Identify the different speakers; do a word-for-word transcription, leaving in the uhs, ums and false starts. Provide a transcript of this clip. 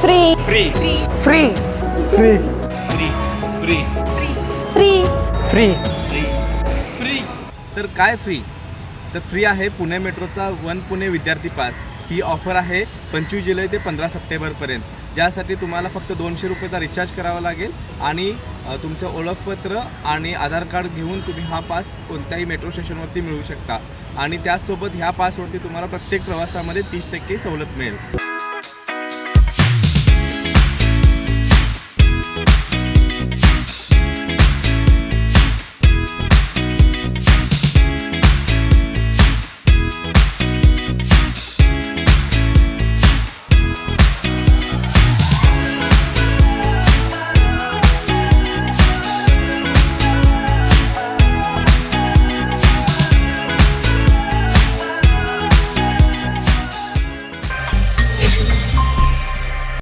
Speaker 1: Free
Speaker 2: free
Speaker 3: free
Speaker 2: free free
Speaker 4: free free
Speaker 1: free
Speaker 2: free
Speaker 4: free free
Speaker 5: तर काय free? तर free आहे पुणे मेट्रोचा वन पुणे विद्यार्थी पास. ही ऑफर आहे पंचवीस जुलै ते पंधरा सप्टेंबरपर्यंत, ज्यासाठी तुम्हाला फक्त दोनशे रुपयेचा रिचार्ज करावा लागेल आणि अ, तुमचं ओळखपत्र आणि आधार कार्ड घेऊन तुम्ही हा पास कोणत्याही मेट्रो स्टेशनवरती मिळवू शकता. आणि त्याचसोबत ह्या पासवरती तुम्हाला प्रत्येक प्रवासामध्ये तीस टक्के सवलत मिळेल.